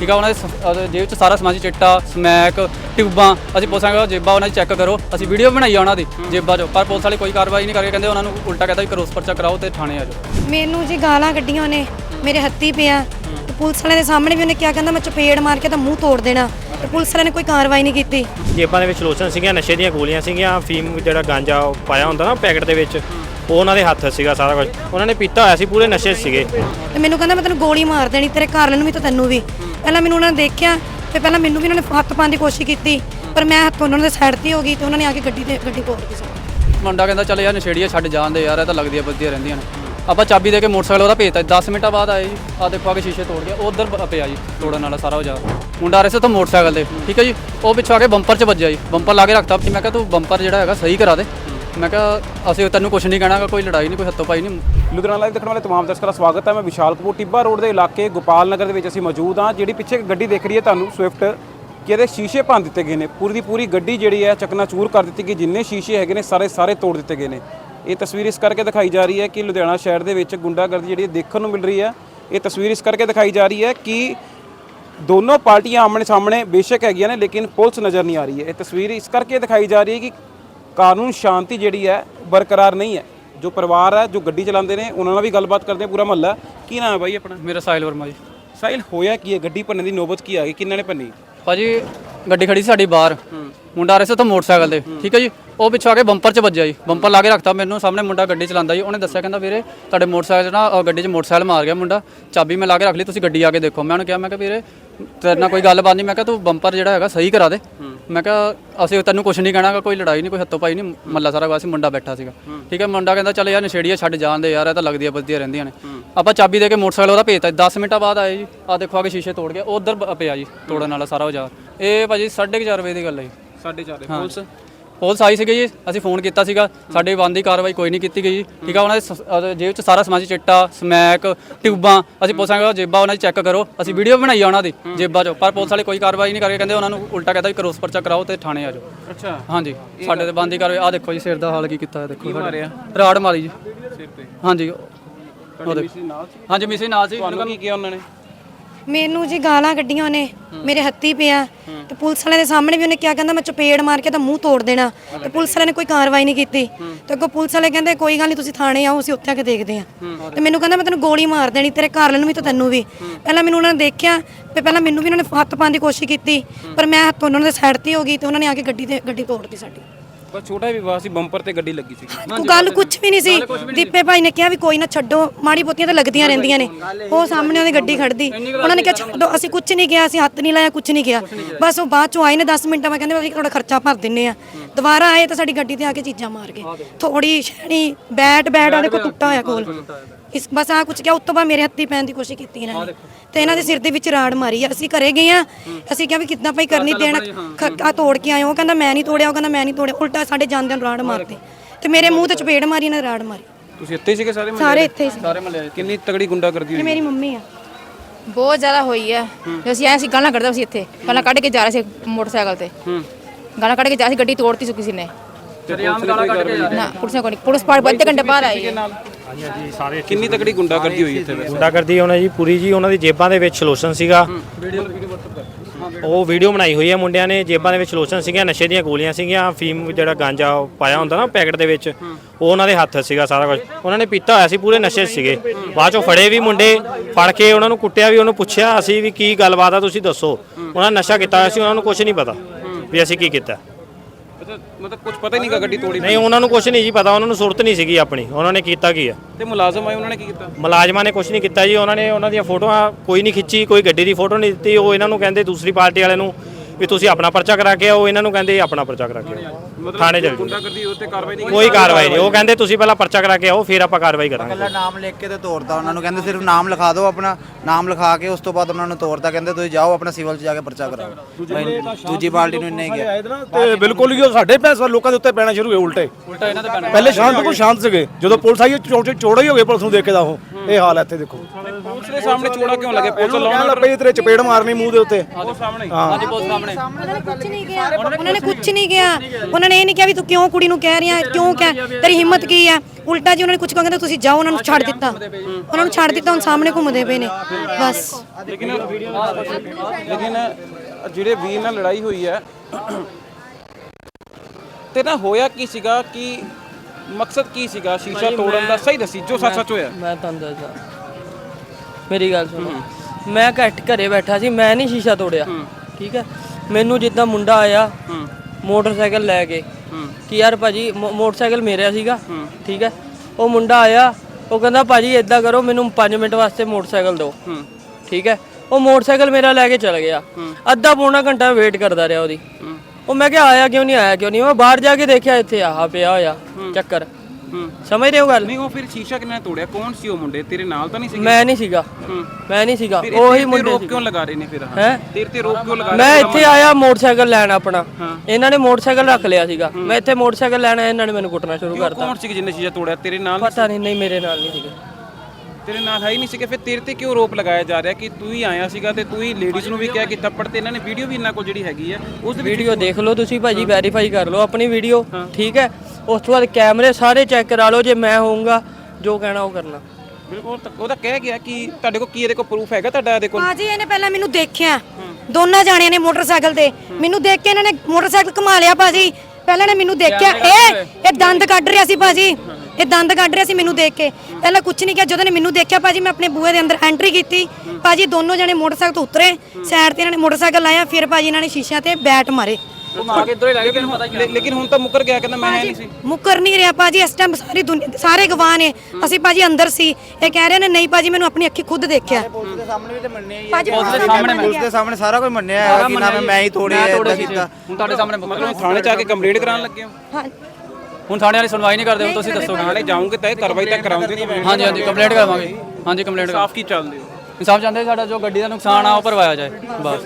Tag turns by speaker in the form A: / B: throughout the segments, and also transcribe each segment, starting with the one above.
A: ਠੀਕ ਆ। ਉਹਨਾਂ ਦੇ ਜੇਬ 'ਚ ਸਾਰਾ ਸਮਾਨ ਸੀ, ਚਿੱਟਾ, ਸਮੈਕ, ਟਿਊਬਾਂ। ਅਸੀਂ ਪੁੱਛਾਂਗੇ ਜੇਬਾਂ ਉਹਨਾਂ ਦੀ ਚੈੱਕ ਕਰੋ, ਅਸੀਂ ਵੀਡੀਓ ਬਣਾਈ ਆ ਉਹਨਾਂ ਦੀ ਜੇਬਾਂ 'ਚੋਂ, ਪਰ ਪੁਲਿਸ ਵਾਲੇ ਕੋਈ ਕਾਰਵਾਈ ਨਹੀਂ ਕਰਕੇ ਕਹਿੰਦੇ ਉਹਨਾਂ ਨੂੰ ਉਲਟਾ ਕਹਿੰਦਾ ਵੀ ਕਰੋਸ ਪਰਚਾ ਕਰਾਓ ਤੇ ਥਾਣੇ ਆ ਜਾਓ।
B: ਮੈਨੂੰ ਜੀ ਗਾਲਾਂ ਕੱਢੀਆਂ ਉਹਨੇ, ਮੇਰੇ ਹੱਥੀ ਪਿਆ ਤੇ ਪੁਲਿਸ ਵਾਲਿਆਂ ਦੇ ਸਾਹਮਣੇ ਵੀ ਉਹਨੇ ਕਿਹਾ, ਕਹਿੰਦਾ ਮੈਂ ਚਪੇੜ ਮਾਰ ਕੇ ਤਾਂ ਮੂੰਹ ਤੋੜ ਦੇਣਾ, ਤੇ ਪੁਲਿਸ ਵਾਲਿਆਂ ਨੇ ਕੋਈ ਕਾਰਵਾਈ ਨਹੀਂ ਕੀਤੀ।
C: ਜੇਬਾਂ ਦੇ ਵਿੱਚ ਲੋਸ਼ਨ ਸੀਗੀਆਂ, ਨਸ਼ੇ ਦੀਆਂ ਗੋਲੀਆਂ ਸੀਗੀਆਂ, ਫੀਮ ਜਿਹੜਾ ਗਾਂਜਾ ਪਾਇਆ ਹੁੰਦਾ ਨਾ ਪੈਕਟ ਦੇ ਵਿੱਚ, ਉਹ ਉਹਨਾਂ ਦੇ ਹੱਥ ਸੀਗਾ ਸਾਰਾ ਕੁਝ। ਉਹਨਾਂ ਨੇ ਪੀਤਾ ਹੋਇਆ ਸੀ, ਪੂਰੇ ਨਸ਼ੇ ਸੀਗੇ।
B: ਤੇ ਮੈਨੂੰ ਕਹਿੰਦਾ ਮੈਂ ਤੈਨੂੰ ਗੋਲੀ ਮਾਰ ਦੇਣੀ, ਤੇਰੇ ਘਰ ਵਾਲੇ ਨੂੰ ਵੀ ਤੇ ਤੈਨੂੰ ਵੀ। ਪਹਿਲਾਂ ਮੈਨੂੰ ਉਹਨਾਂ ਨੇ ਦੇਖਿਆ ਤੇ ਪਹਿਲਾਂ ਮੈਨੂੰ ਵੀ ਉਹਨਾਂ ਨੇ ਹੱਥ ਪਾਉਣ ਦੀ ਕੋਸ਼ਿਸ਼ ਕੀਤੀ, ਪਰ ਮੈਂ ਹੱਥ ਉਹਨਾਂ ਦੇ ਸਾਈਡ ਤੇ ਹੋ ਗਈ ਤੇ ਉਹਨਾਂ ਨੇ ਆ ਕੇ ਗੱਡੀ ਕੋਲ ਦਿੱਤੀ ਸੀ।
A: ਮੁੰਡਾ ਕਹਿੰਦਾ ਚੱਲ ਯਾਰ ਨਸ਼ੇੜੀਆਂ ਛੱਡ ਜਾਣ ਦੇ ਯਾਰ, ਇਹ ਤਾਂ ਲੱਗਦੀਆਂ ਵਧੀਆ ਰਹਿੰਦੀਆਂ ਨੇ। ਆਪਾਂ ਚਾਬੀ ਦੇ ਕੇ ਮੋਟਰਸਾਈਕਲ ਉਹਦਾ ਭੇਜਤਾ, 10 ਮਿੰਟਾਂ ਬਾਅਦ ਆਏ ਜੀ। ਆ ਦੇਖੋ ਆ ਕੇ ਸ਼ੀਸ਼ੇ ਤੋੜ ਗਿਆ, ਉਧਰ ਪਿਆ ਜੀ ਤੋੜਨ ਵਾਲਾ ਸਾਰਾ ਔਜ਼ਾਰ। ਮੁੰਡਾ ਆ ਰਿਹਾ ਸੀ ਉੱਥੋਂ ਮੋਟਰਸਾਈਕਲ ਤੇ, ਠੀਕ ਹੈ ਜੀ। ਉਹ ਪਿੱਛੋਂ ਆ ਕੇ ਬੰਪਰ 'ਚ ਵੱਜਿਆ ਜੀ, ਬੰਪਰ ਲਾ ਕੇ ਰੱਖਤਾ। ਮੈਂ ਕਿਹਾ ਤੂੰ ਬੰਪਰ ਜਿਹੜਾ ਹੈਗਾ ਸਹੀ ਕਰਾ ਦੇ। ਮੈਂ ਕਿਹਾ ਅਸੀਂ ਤੈਨੂੰ ਕੁਛ ਨਹੀਂ ਕਹਿਣਾ, ਕੋਈ ਲੜਾਈ ਨਹੀਂ, ਕੋਈ ਹੱਥੋਂ ਪਾਈ ਨਹੀਂ।
D: ਲੁਧਿਆਣਾ ਲਾਈਵ ਦੇਖਣ ਵਾਲੇ ਤਮਾਮ ਦਰਸ਼ਕਾਂ ਦਾ ਸਵਾਗਤ ਹੈ। ਮੈਂ ਵਿਸ਼ਾਲ ਕਪੂਰ, ਟਿੱਬਾ ਰੋਡ ਦੇ ਇਲਾਕੇ ਗੋਪਾਲ ਨਗਰ ਦੇ ਵਿੱਚ ਅਸੀਂ ਮੌਜੂਦ ਹਾਂ। ਜਿਹੜੀ ਪਿੱਛੇ ਗੱਡੀ ਦਿਖ ਰਹੀ ਹੈ ਤੁਹਾਨੂੰ ਸਵਿਫਟ, ਕਿ ਇਹਦੇ ਸ਼ੀਸ਼ੇ ਭੰਨ ਦਿੱਤੇ ਗਏ ਨੇ। ਪੂਰੀ ਦੀ ਪੂਰੀ ਗੱਡੀ ਜਿਹੜੀ ਹੈ ਚਕਨਾਚੂਰ ਕਰ ਦਿੱਤੀ ਗਈ, ਜਿੰਨੇ ਸ਼ੀਸ਼ੇ ਹੈਗੇ ਨੇ ਸਾਰੇ ਤੋੜ ਦਿੱਤੇ ਗਏ ਨੇ। ਇਹ ਤਸਵੀਰ ਇਸ ਕਰਕੇ ਦਿਖਾਈ ਜਾ ਰਹੀ ਹੈ ਕਿ ਲੁਧਿਆਣਾ ਸ਼ਹਿਰ ਦੇ ਵਿੱਚ ਗੁੰਡਾਗਰਦੀ ਜਿਹੜੀ ਦੇਖਣ ਨੂੰ ਮਿਲ ਰਹੀ ਹੈ। ਇਹ ਤਸਵੀਰ ਇਸ ਕਰਕੇ ਦਿਖਾਈ ਜਾ ਰਹੀ ਹੈ ਕਿ ਦੋਨੋਂ ਪਾਰਟੀਆਂ ਆਮਣੇ ਸਾਹਮਣੇ ਬੇਸ਼ੱਕ ਹੈਗੀਆਂ ਨੇ, ਲੇਕਿਨ ਪੁਲਿਸ ਨਜ਼ਰ ਨਹੀਂ ਆ ਰਹੀ ਹੈ। ਇਹ ਤਸਵੀਰ ਇਸ ਕਰਕੇ ਦਿਖਾਈ ਜਾ ਰਹੀ ਹੈ ਕਿ ਕਾਨੂੰਨ ਸ਼ਾਂਤੀ ਜਿਹੜੀ ਹੈ ਬਰਕਰਾਰ ਨਹੀਂ ਹੈ। ਜੋ ਪਰਿਵਾਰ ਹੈ, ਜੋ ਗੱਡੀ ਚਲਾਉਂਦੇ ਨੇ, ਉਹਨਾਂ ਨਾਲ ਵੀ ਗੱਲਬਾਤ ਕਰਦੇ ਆ। ਪੂਰਾ ਮਹੱਲਾ। ਕੀ ਨਾਮ ਹੈ ਬਾਈ ਆਪਣਾ?
A: ਮੇਰਾ ਸਾਹਿਲ ਵਰਮਾ ਜੀ।
D: ਸਾਹਿਲ, ਹੋਇਆ ਕੀ ਹੈ? ਗੱਡੀ ਭੰਨਣ ਦੀ ਨੌਬਤ ਕੀ ਆ ਗਈ? ਕਿੰਨਾਂ ਨੇ ਭੰਨੀ?
A: ਭਾਜੀ ਗੱਡੀ ਖੜੀ ਸੀ ਸਾਡੀ ਬਾਹਰ, ਮੁੰਡਾ ਆ ਰਿਹਾ ਸੀ ਉੱਥੋਂ ਮੋਟਰਸਾਈਕਲ ਤੇ, ਠੀਕ ਹੈ ਜੀ। ਉਹ ਪਿੱਛੋਂ ਆ ਕੇ ਬੰਪਰ 'ਚ ਵੱਜਿਆ ਜੀ, ਬੰਪਰ ਲਾ ਕੇ ਰੱਖਤਾ। ਮੈਨੂੰ ਸਾਹਮਣੇ ਮੁੰਡਾ ਗੱਡੀ ਚਲਾਉਂਦਾ ਜੀ, ਉਹਨੇ ਦੱਸਿਆ ਕਹਿੰਦਾ ਵੀਰੇ ਤੁਹਾਡੇ ਮੋਟਰਸਾਈਕਲ 'ਚ ਨਾ ਗੱਡੀ 'ਚ ਮੋਟਰਸਾਈਕਲ ਮਾਰ ਗਿਆ ਮੁੰਡਾ, ਚਾਬੀ ਮੈਂ ਲਾ ਕੇ ਰੱਖ ਲਈ, ਤੁਸੀਂ ਗੱਡੀ ਆ ਕੇ ਦੇਖੋ। ਮੈਂ ਉਹਨੂੰ ਕਿਹਾ, ਮੈਂ ਕਿਹਾ ਵੀਰੇ ਤੇਰੇ ਨਾਲ ਕੋਈ ਗੱਲਬਾਤ ਨਹੀਂ, ਮੈਂ ਕਿਹਾ ਤੂੰ ਬੰਪਰ ਜਿਹੜਾ ਹੈਗਾ ਸਹੀ ਕਰਾ ਦੇ। ਮੈਂ ਕਿਹਾ ਅਸੀਂ ਤੈਨੂੰ ਕੁਛ ਨਹੀਂ ਕਹਿਣਾ, ਕੋਈ ਲੜਾਈ ਨਹੀਂ, ਕੋਈ ਹੱਥੋਂ ਪਾਈ ਨਹੀਂ। ਮੱਲਾ ਸਾਰਾ ਵਾਸੀ ਮੁੰਡਾ ਬੈਠਾ ਸੀਗਾ, ਠੀਕ ਹੈ। ਮੁੰਡਾ ਕਹਿੰਦਾ ਚੱਲ ਯਾਰ ਨਸ਼ੇੜੀਆਂ ਛੱਡ ਜਾਣ ਦੇ ਯਾਰ, ਇਹ ਤਾਂ ਲੱਗਦੀਆਂ ਵਧੀਆ ਰਹਿੰਦੀਆਂ ਨੇ। ਆਪਾਂ ਚਾਬੀ ਦੇ ਕੇ ਮੋਟਰਸਾਈਕਲ ਉਹਦਾ ਭੇਜਤਾ, 10 ਮਿੰਟਾਂ ਬਾਅਦ ਆਏ ਜੀ। ਆ ਦੇਖੋ ਆ ਕੇ ਸ਼ੀਸ਼ੇ ਤੋੜ ਗਿਆ, ਉਧਰ ਪਿਆ ਜੀ ਤੋੜਨ ਵਾਲਾ ਸਾਰਾ ਔਜ਼ਾਰ। ਇਹ ਭਾਜੀ 4:30 ਵਜੇ ਦੀ ਗੱਲ ਹੈ ਜੀ।
D: 4:30
A: ਪੁਲਿਸ ਆਈ ਸੀਗੀ ਜੀ, ਅਸੀਂ ਫੋਨ ਕੀਤਾ ਸੀਗਾ, ਸਾਡੇ ਬੰਦੀ ਕਾਰਵਾਈ ਕੋਈ ਨਹੀਂ ਕੀਤੀ ਗਈ, ਠੀਕ ਆ। ਉਹਨਾਂ ਦੇ ਜੇਬ 'ਚ ਸਾਰਾ ਸਮਾਨ ਸੀ, ਚਿੱਟਾ, ਸਮੈਕ, ਟਿਊਬਾਂ। ਅਸੀਂ ਪੁੱਛਾਂਗੇ ਜੇਬਾਂ ਉਹਨਾਂ ਦੀ ਚੈੱਕ ਕਰੋ, ਅਸੀਂ ਵੀਡੀਓ ਬਣਾਈ ਆ ਉਹਨਾਂ ਦੀ ਜੇਬਾਂ 'ਚੋਂ, ਪਰ ਪੁਲਿਸ ਵਾਲੇ ਕੋਈ ਕਾਰਵਾਈ ਨਹੀਂ ਕਰਕੇ ਕਹਿੰਦੇ ਉਹਨਾਂ ਨੂੰ ਉਲਟਾ ਕਹਿੰਦਾ ਵੀ ਕਰੋਸ ਪਰਚਾ ਕਰਾਓ ਤੇ ਥਾਣੇ ਆ ਜਾਓ।
D: ਅੱਛਾ,
A: ਹਾਂਜੀ ਸਾਡੇ ਤੇ ਬੰਦੀ ਕਾਰਵਾਈ। ਆ ਦੇਖੋ ਜੀ ਸਿਰ ਦਾ ਹਾਲ ਕੀ ਕੀਤਾ ਹੈ, ਦੇਖੋ
D: ਮਾਰਿਆ?
A: ਰਾੜ ਮਾਰੀ ਜੀ
D: ਸਿਰ ਤੇ।
A: ਹਾਂਜੀ
D: ਮਿਸੀ ਨਾਲ ਸੀ?
A: ਹਾਂਜੀ ਮਿਸੀ ਨਾਲ ਸੀ।
D: ਤੁਹਾਨੂੰ ਕੀ ਕਿਹਾ ਉਹਨਾਂ ਨੇ?
B: ਮੈਨੂੰ ਜੀ ਗਾਲਾਂ ਕੱਢੀਆਂ ਉਹਨੇ, ਮੇਰੇ ਹੱਥੀ ਪਿਆ ਤੇ ਪੁਲਿਸ ਵਾਲਿਆਂ ਦੇ ਸਾਹਮਣੇ ਵੀ ਉਹਨੇ ਕਿਹਾ, ਕਹਿੰਦਾ ਮੈਂ ਚਪੇੜ ਮਾਰ ਕੇ ਤਾਂ ਮੂੰਹ ਤੋੜ ਦੇਣਾ, ਤੇ ਪੁਲਿਸ ਵਾਲਿਆਂ ਨੇ ਕੋਈ ਕਾਰਵਾਈ ਨਹੀਂ ਕੀਤੀ। ਤੇ ਅੱਗੋਂ ਪੁਲਿਸ ਵਾਲੇ ਕਹਿੰਦੇ ਕੋਈ ਗੱਲ ਨਹੀਂ, ਤੁਸੀਂ ਥਾਣੇ ਆਓ, ਅਸੀਂ ਉੱਥੇ ਆ ਕੇ ਦੇਖਦੇ ਹਾਂ। ਤੇ ਮੈਨੂੰ ਕਹਿੰਦਾ ਮੈਂ ਤੈਨੂੰ ਗੋਲੀ ਮਾਰ ਦੇਣੀ, ਤੇਰੇ ਘਰ ਵਾਲੇ ਨੂੰ ਵੀ ਤੇ ਤੈਨੂੰ ਵੀ। ਪਹਿਲਾਂ ਮੈਨੂੰ ਉਹਨਾਂ ਨੇ ਦੇਖਿਆ ਤੇ ਪਹਿਲਾਂ ਮੈਨੂੰ ਵੀ ਉਹਨਾਂ ਨੇ ਹੱਥ ਪਾਉਣ ਦੀ ਕੋਸ਼ਿਸ਼ ਕੀਤੀ, ਪਰ ਮੈਂ ਹੱਥ ਉਹਨਾਂ ਦੇ ਸਾਈਡ ਤੇ ਹੋ ਗਈ ਤੇ ਉਹਨਾਂ ਨੇ ਆ ਕੇ ਗੱਡੀ ਤੋੜਤੀ ਸਾਡੀ।
D: ਬਸ ਛੋਟਾ ਵਿਵਾਹ ਸੀ, ਬੰਪਰ ਤੇ ਗੱਡੀ ਲੱਗੀ ਸੀ।
B: ਗੱਲ ਕੁਝ ਵੀ ਨਹੀਂ ਸੀ। ਦੀਪੇ ਭਾਈ ਨੇ ਕਿਹਾ ਵੀ ਕੋਈ ਨਾ ਛੱਡੋ, ਮਾੜੀ ਬੋਤੀਆਂ ਤਾਂ ਲੱਗਦੀਆਂ ਰਹਿੰਦੀਆਂ ਨੇ। ਉਹ ਸਾਹਮਣੇ ਉਹਦੀ ਗੱਡੀ ਖੜਦੀ, ਉਹਨਾਂ ਨੇ ਕਿਹਾ ਛੱਡੋ, ਅਸੀਂ ਕੁਝ ਨਹੀਂ ਕਿਹਾ, ਅਸੀਂ ਹੱਥ ਨਹੀਂ ਲਾਇਆ, ਕੁਝ ਨਹੀਂ ਕਿਹਾ। ਬਸ ਉਹ ਬਾਅਦ ਚੋਂ ਆਏ ਨੇ 10 ਮਿੰਟਾਂ ਮੈਂ ਕਹਿੰਦੇ ਅਸੀਂ ਤੁਹਾਡਾ ਖਰਚਾ ਭਰ ਦਿੰਨੇ ਆ। ਦੁਬਾਰਾ ਆਏ ਤਾਂ ਸਾਡੀ ਗੱਡੀ ਤੇ ਆ ਕੇ ਚੀਜ਼ਾਂ ਮਾਰ ਗਏ। ਥੋੜੀ ਸ਼ੈਣੀ ਬੈਟ ਉਹਦੇ ਕੋਲ ਟੁੱਟਾ ਹੋਇਆ ਕੋਲ। ਇਸ ਬਸ ਆ ਕੁਝ ਕਿਹਾ, ਉਸ ਤੋਂ ਬਾਅਦ ਮੇਰੇ ਹੱਥੀ ਪੈਣ ਦੀ ਕੋਸ਼ਿਸ਼ ਕੀਤੀ ਇਹਨਾਂ ਨੇ, ਤੇ ਇਹਨਾਂ ਦੇ ਸਿਰ ਦੇ ਵਿੱਚ ਰਾੜ ਮਾਰੀ ਆ। ਅਸੀਂ ਘਰੇ ਗਏ ਆ, ਅਸੀਂ ਕਿਹਾ ਵੀ ਕਿੱਦਾਂ ਭਾਈ ਕਰਨੀ ਦੇਣਾ, ਆ ਤੋੜ ਕੇ ਆਏ। ਉਹ ਕਹਿੰਦਾ ਮੈਂ ਨਹੀਂ ਤੋੜਿਆ, ਉਹ ਕਹਿੰਦਾ ਮੈਂ ਨਹੀਂ ਤੋੜਿਆ, ਉਲਟਾ ਸਾਡੇ ਜਾਂਦਿਆਂ ਨੂੰ ਰਾੜ ਮਾਰਦੇ ਤੇ ਮੇਰੇ ਮੂੰਹ ਤੇ ਚਪੇੜ ਮਾਰੀ, ਇਹਨਾਂ ਨੇ ਰਾੜ ਮਾਰੀ।
D: ਤੁਸੀਂ ਇੱਥੇ ਸੀਗੇ ਸਾਰੇ?
B: ਸਾਰੇ ਇੱਥੇ ਸੀ।
D: ਸਾਰੇ ਮਹੱਲੇ? ਕਿੰਨੀ ਤਗੜੀ ਗੁੰਡਾਗਰਦੀ ਹੋਈ?
B: ਮੇਰੀ ਮੰਮੀ ਆ।
E: ਬਹੁਤ ਜ਼ਿਆਦਾ ਹੋਈ ਹੈ। ਅਸੀਂ ਆਏ ਸੀ ਗਾਲਾਂ ਕੱਢਦੇ ਸੀ, ਇੱਥੇ ਗਾਲਾਂ ਕੱਢ ਕੇ ਜਾ ਰਹੇ ਸੀ ਮੋਟਰਸਾਈਕਲ ਤੇ, ਗਾਲਾਂ ਕੱਢ ਕੇ ਜਾ ਸੀ, ਗੱਡੀ ਤੋੜਤੀ ਸੀ ਕਿਸੇ ਨੇ। ਨਾ ਪੁਲਿਸ ਪਾਰਟੀ ਅੱਧੇ ਘੰਟੇ ਬਾਅਦ ਆਈ।
C: ਹਾਂਜੀ ਸਾਰੇ।
D: ਕਿੰਨੀ ਤਗੜੀ ਗੁੰਡਾਗਰਦੀ ਹੋਈ ਇੱਥੇ?
C: ਗੁੰਡਾਗਰਦੀ ਉਹਨਾਂ ਜੀ ਪੂਰੀ ਜੀ। ਉਹਨਾਂ ਦੀ ਜੇਬਾਂ ਦੇ ਵਿੱਚ ਲੋਸ਼ਨ ਸੀਗਾ, ਉਹ ਵੀਡੀਓ ਬਣਾਈ ਹੋਈ ਹੈ ਮੁੰਡਿਆਂ ਨੇ। ਜੇਬਾਂ ਦੇ ਵਿੱਚ ਲੋਸ਼ਨ ਸੀਗੀਆਂ, ਨਸ਼ੇ ਦੀਆਂ ਗੋਲੀਆਂ ਸੀਗੀਆਂ, ਫੀਮ ਜਿਹੜਾ ਗਾਂਜਾ ਪਾਇਆ ਹੁੰਦਾ ਨਾ ਪੈਕਟ ਦੇ ਵਿੱਚ, ਉਹ ਉਹਨਾਂ ਦੇ ਹੱਥ ਸੀਗਾ ਸਾਰਾ ਕੁਝ। ਉਹਨਾਂ ਨੇ ਪੀਤਾ ਹੋਇਆ ਸੀ, ਪੂਰੇ ਨਸ਼ੇ ਸੀਗੇ। ਬਾਅਦ ਚੋਂ ਫੜੇ ਵੀ ਮੁੰਡੇ, ਫੜ ਕੇ ਉਹਨਾਂ ਨੂੰ ਕੁੱਟਿਆ ਵੀ। ਉਹਨੂੰ ਪੁੱਛਿਆ ਅਸੀਂ ਵੀ ਕੀ ਗੱਲਬਾਤ ਆ, ਤੁਸੀਂ ਦੱਸੋ। ਉਹਨਾਂ ਨੇ ਨਸ਼ਾ ਕੀਤਾ ਹੋਇਆ ਸੀ, ਉਹਨਾਂ ਨੂੰ ਕੁਝ ਨਹੀਂ ਪਤਾ ਵੀ ਅਸੀਂ ਕੀ ਕੀਤਾ।
D: ਮਤਲਬ ਕੁਝ ਪਤਾ ਹੀ ਨਹੀਂਗਾ ਗੱਡੀ ਤੋੜੀ?
C: ਨਹੀਂ, ਉਹਨਾਂ ਨੂੰ ਕੁਝ ਨਹੀਂ ਜੀ ਪਤਾ, ਉਹਨਾਂ ਨੂੰ ਸੁਰਤ ਨਹੀਂ ਸੀਗੀ ਆਪਣੀ, ਉਹਨਾਂ ਨੇ ਕੀਤਾ ਕੀ ਆ।
D: ਤੇ ਮੁਲਾਜ਼ਮ ਆਏ, ਉਹਨਾਂ ਨੇ ਕੀ ਕੀਤਾ?
C: ਮੁਲਾਜ਼ਮਾਂ ਨੇ ਕੁਝ ਨਹੀਂ ਕੀਤਾ ਜੀ। ਉਹਨਾਂ ਨੇ ਉਹਨਾਂ ਦੀਆਂ ਫੋਟੋਆਂ ਕੋਈ ਨਹੀਂ ਖਿੱਚੀ, ਕੋਈ ਗੱਡੀ ਦੀ ਫੋਟੋ ਨਹੀਂ ਦਿੱਤੀ। ਉਹ ਇਹਨਾਂ ਨੂੰ ਕਹਿੰਦੇ ਦੂਸਰੀ ਪਾਰਟੀ ਵਾਲਿਆਂ ਨੂੰ ਵੀ ਤੁਸੀਂ ਆਪਣਾ ਪਰਚਾ ਕਰਾ ਕੇ ਆਓ, ਇਹਨਾਂ ਨੂੰ ਕਹਿੰਦੇ ਆਪਣਾ ਪਰਚਾ ਕਰਾ ਕੇ ਆਓ, ਥਾਣੇ ਚੱਲ
D: ਗੁੰਡਾਗਰਦੀ ਉੱਤੇ ਕਾਰਵਾਈ ਨਹੀਂ?
C: ਕੋਈ ਕਾਰਵਾਈ ਨਹੀਂ। ਉਹ ਕਹਿੰਦੇ ਤੁਸੀਂ ਪਹਿਲਾਂ ਪਰਚਾ ਕਰਾ ਕੇ ਆਓ, ਫਿਰ ਆਪਾਂ ਕਾਰਵਾਈ ਕਰਾਂਗੇ।
F: ਪਹਿਲਾਂ ਨਾਮ ਲਿਖ ਕੇ ਤੇ ਤੋੜਦਾ ਉਹਨਾਂ ਨੂੰ, ਕਹਿੰਦੇ ਸਿਰਫ ਨਾਮ ਲਿਖਾ ਦਿਓ ਆਪਣਾ, ਨਾਮ ਲਿਖਾ ਕੇ ਉਸ ਤੋਂ ਬਾਅਦ ਉਹਨਾਂ ਨੂੰ ਤੋੜਦਾ। ਕਹਿੰਦੇ ਤੁਸੀਂ ਜਾਓ ਆਪਣਾ ਸਿਵਲ 'ਚ ਜਾ ਕੇ ਪਰਚਾ ਕਰਾਓ। ਦੂਜੀ ਪਾਰਟੀ ਨੂੰ ਇੰਨੇ ਗਿਆ
G: ਤੇ ਬਿਲਕੁਲ ਹੀ ਉਹ ਸਾਡੇ ਪੈਸਾ ਲੋਕਾਂ ਦੇ ਉੱਤੇ ਪੈਣਾ ਸ਼ੁਰੂ ਹੋਏ ਉਲਟਾ ਇਹਨਾਂ ਦੇ ਪੈਣਾ। ਪਹਿਲੇ ਸ਼ਾਂਤ ਬਿਲਕੁਲ ਸ਼ਾਂਤ ਸੀਗੇ, ਜਦੋਂ ਪੁਲਿਸ ਆਈ ਚੋੜਾ ਹੀ ਹੋ ਗਏ ਪੁਲਿਸ ਨੂੰ ਦੇਖ ਕੇ ਦਾ ਉਹ ਇਹ ਹਾਲ ਹੈ ਇੱਥੇ ਦੇਖੋ
D: ਪੁਲਿਸ ਦੇ ਸਾਹਮਣੇ ਚੋੜਾ ਕਿਉਂ ਲੱਗੇ ਪੁਲਿਸ ਲਾਉਣ
G: ਕਹਿਣ ਲੱਗੇ ਤੇਰੇ ਚਪੇੜ ਮਾਰਨੀ ਮੂੰਹ ਦੇ ਉੱਤੇ
D: ਉਹ ਸਾਹਮਣੇ
A: ਹਾਂਜੀ ਬਹੁਤ ਸਾਹਮਣੇ
B: ਉਹਨਾਂ ਨੇ ਕੁਝ ਨਹੀਂ ਕਿਹਾ ਉਹਨਾਂ ਨੇ ਇਹ ਨਹੀਂ ਕਿਹਾ ਵੀ ਤੂੰ ਕਿਉਂ ਕੁੜੀ ਨੂੰ ਕਹਿ ਰਿਹਾ ਕਿਉਂ ਕਹਿ ਤੇਰੀ ਹਿੰਮਤ ਕੀ ਹੈ ਉਲਟਾ ਜੀ ਉਹਨਾਂ ਨੇ ਕੁਝ ਕਹਿੰਦੇ ਤੁਸੀਂ ਜਾਓ ਉਹਨਾਂ ਨੂੰ ਛੱਡ ਦਿੱਤਾ ਹੁਣ ਸਾਹਮਣੇ ਘੁੰਮਦੇ ਪਏ ਨੇ ਬਸ
D: ਲੇਕਿਨ ਜਿਹੜੇ ਵੀਰ ਨਾਲ ਲੜਾਈ ਹੋਈ ਹੈ ਤੇ ਨਾ ਹੋਇਆ ਕੀ ਸੀਗਾ ਕਿ ਮਕਸਦ ਕੀ ਸੀਗਾ ਸ਼ੀਸ਼ਾ ਤੋੜਨ ਦਾ ਸਹੀ ਦੱਸੀ ਜੋ ਸੱਚ ਹੋਇਆ
H: ਮੈਂ ਤੁਹਾਨੂੰ ਦੱਸਦਾ ਮੇਰੀ ਗੱਲ ਸੁਣੋ ਮੈਂ ਘਰੇ ਬੈਠਾ ਸੀ ਮੈਂ ਨਹੀਂ ਸ਼ੀਸ਼ਾ ਤੋੜਿਆ ਠੀਕ ਹੈ ਮੈਨੂੰ ਜਿੱਦਾਂ ਮੁੰਡਾ ਆਇਆ ਮੋਟਰਸਾਈਕਲ ਲੈ ਕੇ ਕਿ ਯਾਰ ਭਾਜੀ ਮੋਟਰਸਾਈਕਲ ਮੇਰਾ ਸੀਗਾ ਠੀਕ ਹੈ ਉਹ ਮੁੰਡਾ ਆਇਆ ਉਹ ਕਹਿੰਦਾ ਭਾਜੀ ਇਦਾਂ ਕਰੋ ਮੈਨੂੰ 5 ਮਿੰਟ ਵਾਸਤੇ ਮੋਟਰਸਾਈਕਲ ਦਿਓ ਠੀਕ ਹੈ ਉਹ ਮੋਟਰਸਾਈਕਲ ਮੇਰਾ ਲੈ ਕੇ ਚਲਾ ਗਿਆ ਅੱਧਾ ਪੌਣਾ ਘੰਟਾ ਵੇਟ ਕਰਦਾ ਰਿਹਾ ਉਹਦੀ ਉਹ ਮੈਂ ਕਿਹਾ ਆਇਆ ਕਿਉਂ ਨਹੀਂ ਮੈਂ ਬਾਹਰ ਜਾ ਕੇ ਦੇਖਿਆ ਇੱਥੇ ਆਹ ਪਿਆ ਹੋਇਆ ਚੱਕਰ ਸਮਝ ਰਹੇ ਹੋ ਗੱਲ
D: ਨਹੀਂ ਉਹ ਫਿਰ ਸ਼ੀਸ਼ਾ ਕਿਹਨੇ ਤੋੜਿਆ ਕੌਣ ਸੀ ਉਹ ਮੁੰਡੇ ਤੇਰੇ ਨਾਲ ਤਾਂ ਨਹੀਂ ਸੀ
H: ਮੈਂ ਨਹੀਂ ਸੀਗਾ ਉਹੀ ਮੁੰਡੇ
D: ਰੋਕ ਕਿਉਂ ਲਗਾ ਰਹੇ ਨੇ ਫਿਰ
H: ਹੈਂ?
D: ਤੇਰੇ ਤੇ ਰੋਕ ਕਿਉਂ ਲਗਾ
H: ਮੈਂ ਇੱਥੇ ਆਇਆ ਮੋਟਰਸਾਈਕਲ ਲੈਣ ਆਪਣਾ ਇਹਨਾਂ ਨੇ ਮੋਟਰਸਾਈਕਲ ਰੱਖ ਲਿਆ ਸੀਗਾ ਮੈਂ ਇੱਥੇ ਮੋਟਰਸਾਈਕਲ ਲੈਣ ਆਇਆ ਇਹਨਾਂ ਨੇ ਮੈਨੂੰ ਕੁੱਟਣਾ ਸ਼ੁਰੂ ਕਰਤਾ
D: ਕੌਣ ਸੀ ਜਿਹਨੇ ਸ਼ੀਸ਼ਾ ਤੋੜਿਆ ਤੇਰੇ ਨਾਲ
H: ਪਤਾ ਨਹੀਂ ਮੇਰੇ ਨਾਲ ਨਹੀਂ ਸੀਗਾ
D: ਤੇਰੇ ਨਾਲ ਹੈ ਹੀ ਨਹੀਂ ਸੀ ਕਿ ਫਿਰ ਤੇਰੇ ਤੇ ਕਿਉਂ ਰੋਪ ਲਗਾਇਆ ਜਾ ਰਿਹਾ ਕਿ ਤੂੰ ਹੀ ਆਇਆ ਸੀਗਾ ਤੇ ਤੂੰ ਹੀ ਲੇਡੀਜ਼ ਨੂੰ ਵੀ ਕਿਹਾ ਕਿ ਥੱਪੜ ਤੇ ਇਹਨਾਂ ਨੇ ਵੀਡੀਓ ਵੀ ਇਹਨਾਂ ਕੋਲ ਜਿਹੜੀ ਹੈਗੀ ਹੈ ਉਸ ਦੇ ਵਿੱਚ
H: ਵੀਡੀਓ ਦੇਖ ਲਓ ਤੁਸੀਂ ਭਾਜੀ ਵੈਰੀਫਾਈ ਕਰ ਲਓ ਆਪਣੀ ਵੀਡੀਓ ਠੀਕ ਹੈ ਉਸ ਤੋਂ ਬਾਅਦ ਕੈਮਰੇ ਸਾਰੇ ਚੈੱਕ ਕਰਾ ਲਓ ਜੇ ਮੈਂ ਹੋਊਂਗਾ ਜੋ ਕਹਿਣਾ ਉਹ ਕਰਨਾ
D: ਬਿਲਕੁਲ ਉਹ ਤਾਂ ਕਹਿ ਗਿਆ ਕਿ ਤੁਹਾਡੇ ਕੋਲ ਕੀ ਇਹਦੇ ਕੋਲ ਪ੍ਰੂਫ ਹੈਗਾ ਤੁਹਾਡਾ ਇਹਦੇ ਕੋਲ
B: ਬਾਜੀ ਇਹਨੇ ਪਹਿਲਾਂ ਮੈਨੂੰ ਦੇਖਿਆ ਦੋਨਾਂ ਜਾਣਿਆਂ ਨੇ ਮੋਟਰਸਾਈਕਲ ਤੇ ਮੈਨੂੰ ਦੇਖ ਕੇ ਇਹਨਾਂ ਨੇ ਮੋਟਰਸਾਈਕਲ ਘੁਮਾ ਲਿਆ ਬਾਜੀ ਪਹਿਲਾਂ ਨੇ ਮੈਨੂੰ ਦੇਖਿਆ ਇਹ ਦੰਦ ਕੱਢ ਰਿਹਾ ਸੀ ਬਾਜੀ ਇਹ ਦੰਦ ਕੱਢ ਰਿਹਾ ਸੀ ਮੈਨੂੰ ਦੇਖ ਕੇ ਪਹਿਲਾਂ ਕੁਝ ਨਹੀਂ ਕਿਹਾ ਜਦੋਂ ਨੇ ਮੈਨੂੰ ਦੇਖਿਆ ਬਾਜੀ ਮੈਂ ਆਪਣੇ ਬੂਹੇ ਦੇ ਅੰਦਰ ਐਂਟਰੀ ਕੀਤੀ ਬਾਜੀ ਦੋਨੋਂ ਜਣੇ ਮੋਟਰਸਾਈਕਲ ਤੋਂ ਉਤਰੇ ਸਾਈਡ ਤੇ ਇਹਨਾਂ ਨੇ ਮੋਟਰਸਾਈਕਲ ਲਾਇਆ ਫਿਰ ਬਾਜੀ ਇਹਨਾਂ ਨੇ ਸ਼ੀਸ਼ਿਆਂ ਤੇ ਬੈਟ ਮਾਰੇ
D: ਲੇਕਿਨ ਹੁਣ ਤਾਂ ਮੁੱਕਰ ਗਿਆ ਕਹਿੰਦਾ ਮੈਂ ਹੈ ਨਹੀਂ ਸੀ
B: ਮੁੱਕਰ ਨਹੀਂ ਰਿਹਾ ਬਾਜੀ ਇਸ ਟਾਈਮ ਸਾਰੀ ਦੁਨੀਆ ਸਾਰੇ ਗਵਾਹ ਨੇ ਅਸੀਂ ਬਾਜੀ ਅੰਦਰ ਸੀ ਇਹ ਕਹਿ ਰਹੇ ਨੇ ਨਹੀਂ ਬਾਜੀ ਮੈਨੂੰ ਆਪਣੀ ਅੱਖੀ ਖੁਦ ਦੇਖਿਆ
F: ਪੁਲਿਸ ਦੇ ਸਾਹਮਣੇ ਵੀ ਤੇ ਮੰਨਿਆ ਹੀ
B: ਬਾਜੀ
F: ਪੁਲਿਸ ਦੇ ਸਾਹਮਣੇ ਸਾਰਾ ਕੁਝ ਮੰਨਿਆ ਹੈ ਕਿ ਨਾ ਮੈਂ ਹੀ ਤੋੜਿਆ ਇਦਾਂ ਕੀਤਾ
A: ਹੁਣ ਤੁਹਾਡੇ ਸਾਹਮਣੇ
D: ਮਤਲਬ ਥਾਣੇ ਚ ਆ ਕੇ ਕੰਪਲੇਂਟ ਕਰਾਉਣ ਲੱਗੇ ਹੋ
B: ਹਾਂ
A: ਹੁਣ ਥਾਣੇ ਵਾਲੀ ਸੁਣਵਾਈ ਨਹੀਂ ਕਰਦੇ ਹੁਣ ਤੁਸੀਂ ਦੱਸੋ
D: ਥਾਣੇ ਜਾਓਗੇ ਤਾਂ ਇਹ ਕਾਰਵਾਈ ਤਾਂ ਕਰਾਉਂਗੇ
A: ਹਾਂਜੀ ਕੰਪਲੇਂਟ ਕਰਾਵਾਂਗੇ ਹਾਂਜੀ ਕੰਪਲੇਂਟ
D: ਸਾਫ਼ ਕੀ ਚੱਲਦੇ ਹੋ
A: ਇਨਸਾਫ ਚਾਹੁੰਦੇ ਸਾਡਾ ਜੋ ਗੱਡੀ ਦਾ ਨੁਕਸਾਨ ਆ ਉਹ ਭਰਵਾਇਆ ਜਾਏ ਬਸ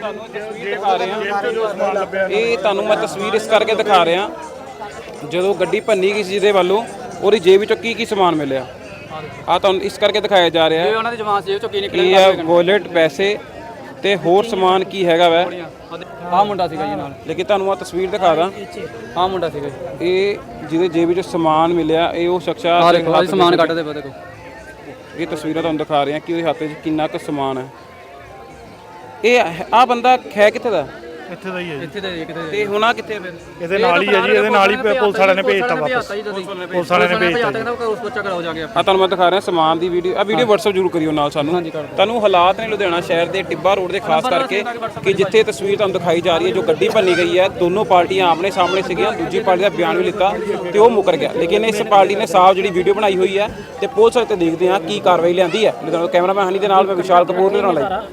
D: ਇਹ ਤੁਹਾਨੂੰ ਮੈਂ ਤਸਵੀਰ ਇਸ ਕਰਕੇ ਦਿਖਾ ਰਿਹਾ ਜਦੋਂ ਗੱਡੀ ਭੰਨੀ ਗਈ ਸੀ ਜਿਹਦੇ ਵੱਲੋਂ ਉਹਦੀ ਜੇਬ ਵਿੱਚੋਂ ਕੀ ਕੀ ਸਮਾਨ ਮਿਲਿਆ ਆ ਤੁਹਾਨੂੰ ਇਸ ਕਰਕੇ ਦਿਖਾਇਆ ਜਾ ਰਿਹਾ
A: ਇਹ ਉਹਨਾਂ ਦੀ ਜਮਾਨ ਜੇਬ ਚੋਂ ਕੀ
D: ਕੀ ਹੈ ਵਾਲਟ ਪੈਸੇ ਤੇ ਹੋਰ ਸਮਾਨ ਕੀ ਹੈਗਾ ਵੈ
A: ਆਹ ਮੁੰਡਾ ਸੀਗਾ ਜੀ ਨਾਲ
D: ਲੇਕਿਨ ਤੁਹਾਨੂੰ ਆ ਤਸਵੀਰ ਦਿਖਾ ਦਾਂ
A: ਆਹ ਮੁੰਡਾ ਸੀਗਾ ਜੀ
D: ਇਹ ਜਿਹਦੇ ਜੇਬ ਵਿੱਚੋਂ ਸਮਾਨ ਮਿਲਿਆ ਇਹ ਉਹ ਸ਼ਖਸ
A: ਆਹ ਦੇਖੋ ਆਹ ਸਮਾਨ ਕੱਢਦੇ ਪਏ ਦੇਖੋ
D: ਇਹ ਤਸਵੀਰਾਂ ਤੁਹਾਨੂੰ ਦਿਖਾ ਰਹੇ ਹਾਂ ਕਿ ਉਹਦੇ ਹੱਥ 'ਚ ਕਿੰਨਾ ਕੁ ਸਮਾਨ ਹੈ ਇਹ ਆ ਬੰਦਾ ਹੈ ਕਿੱਥੇ ਦਾ
C: ਇੱਥੇ ਦਾ ਹੀ ਹੈ
A: ਇੱਥੇ ਦੇ ਕਿਤੇ
D: ਤੇ ਹੁਣ ਆ ਕਿੱਥੇ ਫਿਰ
C: ਇਹਦੇ ਨਾਲ ਹੀ ਹੈ ਜੀ ਇਹਦੇ ਨਾਲ ਹੀ ਪੁਲਿਸ ਵਾਲਿਆਂ ਨੇ ਭੇਜਤਾ ਵਾਪਸ ਪੁਲਿਸ ਵਾਲਿਆਂ ਨੇ ਭੇਜਤਾ
A: ਉਸ ਬੱਚਾ ਕਰਾਓ ਜਾ ਕੇ
D: ਆ ਤੁਹਾਨੂੰ ਮੈਂ ਦਿਖਾ ਰਿਹਾ ਸਮਾਨ ਦੀ ਵੀਡੀਓ ਆ ਵੀਡੀਓ WhatsApp ਜ਼ਰੂਰ ਕਰਿਓ ਨਾਲ ਸਾਨੂੰ ਤੁਹਾਨੂੰ ਹਾਲਾਤ ਨੇ ਲੁਧਿਆਣਾ ਸ਼ਹਿਰ ਦੇ ਟਿੱਬਾ ਰੋਡ ਦੇ ਖਾਸ ਕਰਕੇ ਕਿ ਜਿੱਥੇ ਤਸਵੀਰ ਤੁਹਾਨੂੰ ਦਿਖਾਈ ਜਾ ਰਹੀ ਹੈ ਜੋ ਗੱਡੀ ਭੰਨੀ ਗਈ ਹੈ ਦੋਨੋਂ ਪਾਰਟੀਆਂ ਆਮਨੇ ਸਾਹਮਣੇ ਸੀਗੀਆਂ ਦੂਜੀ ਪਾਰਟੀ ਦਾ ਬਿਆਨ ਵੀ ਲਿੱਤਾ ਤੇ ਉਹ ਮੁੱਕਰ ਗਿਆ ਲੇਕਿਨ ਇਸ ਪਾਰਟੀ ਨੇ ਸਾਫ਼ ਜਿਹੜੀ ਵੀਡੀਓ ਬਣਾਈ ਹੋਈ ਹੈ ਤੇ ਪੁਲਿਸ ਤੇ ਦੇਖਦੇ ਹਾਂ ਕੀ ਕਾਰਵਾਈ ਲਿਆਂਦੀ ਹੈ ਲੁਧਿਆਣਾ ਕੈਮਰਾਮੈਨ ਹਨੀ ਦੇ ਨਾਲ ਮੈਂ ਵਿਸ਼ਾਲ ਕਪੂਰ ਦੇ ਨਾਲ